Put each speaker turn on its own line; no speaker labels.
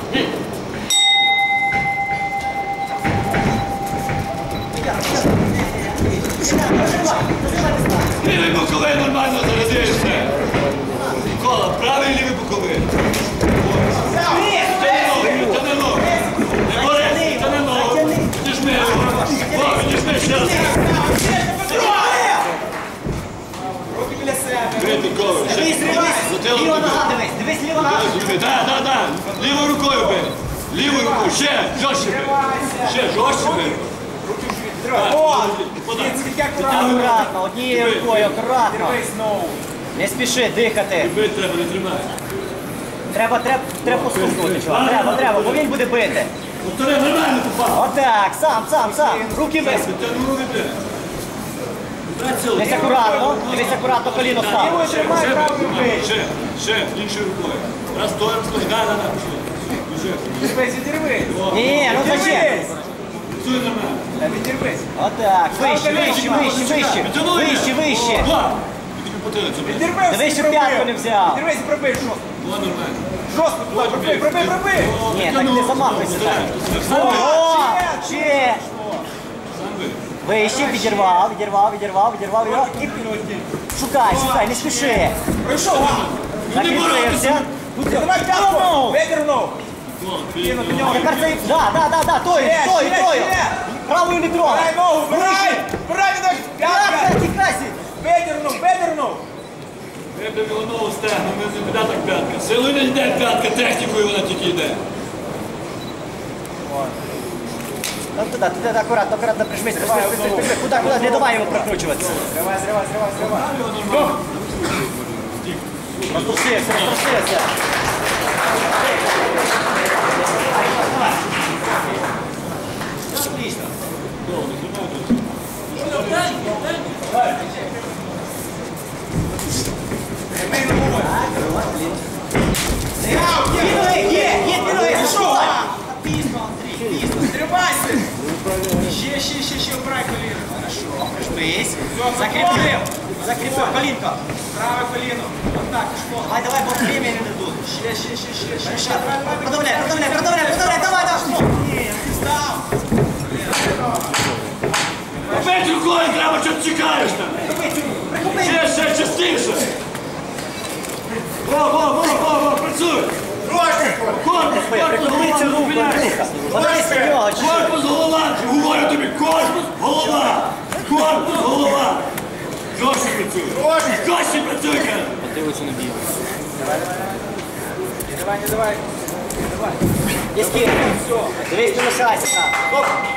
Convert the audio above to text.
Лівий боковий нормально зарядився. Микола, правий лівий боковий. Тяни ногу. Не бори, тяни ногу. Підіжми його. Підіжми ще раз.
Руки біля себе.
Крити голову.
Ліва нога дивись, дивись, ліва нога.
Так. Лівою рукою бий. Лівою рукою. Ще, жорстче бий. Ще, жорстче бий.
Акуратно, однією рукою, акуратно. Не спіши дихати.
Бити треба, не тримай.
Треба постукнути, чувак. Треба, бо він буде бити.
Повтори, нормально попав.
Отак, сам. Руки вис.
Тяну руки, бля.
Дивись акуратно, коліно став.
Ще, іншою рукою. Раз, стоїм, да.
Відірвись, відірвись.
Ні, ну зачем?
Працюй нормально.
Відірвись.
Отак, вище.
Тобі потилицю, бля.
Відірвись.
Дивись, щоб п'ятку не взяв.
Відірвись, пробий жорстко.
Була нормально.
Жорстко туди, пробий.
Ні, так не замахуйся так. О, ще.
Сам бий.
Вище, відірвав його. І шукай, не спіши.
Пройшов.
Закріпився.
Давай п'ятку. Видернув.
Тепер це, да, тою. Правою не трогай.
Вбирай ногу, вбирай, п'ятка.
Тікайся.
Видернув.
Вибив його ногу стегну, не піде так п'ятка. Силою не йде п'ятка, технікою вона тільки йде.
Ну туди, акуратно, прижмись. Куди, не давай йому прокручуватися.
Зривай.
Розтрусився. Отлично.
Зривайся. Ще, вбирай коліно. Хорошо.
Прижмись. Закріпив. Колінко.
Праве коліно. Отак, пішло.
Давай, бо время не дадуть.
Ще.
Продавляй, давай.
Ні, ти став.
Опять рукою треба, що ти чекаєш там. Ще, частіше. Во, працюй. Корпус,
Приколи цю руку, рука. Подивись на нього.
корпус, голова. Говорю тобі, корпус, голова. Жорстко працюй, каже.
Подивися на бій.
Давай.
Є скільки. Дивись, не лишайся.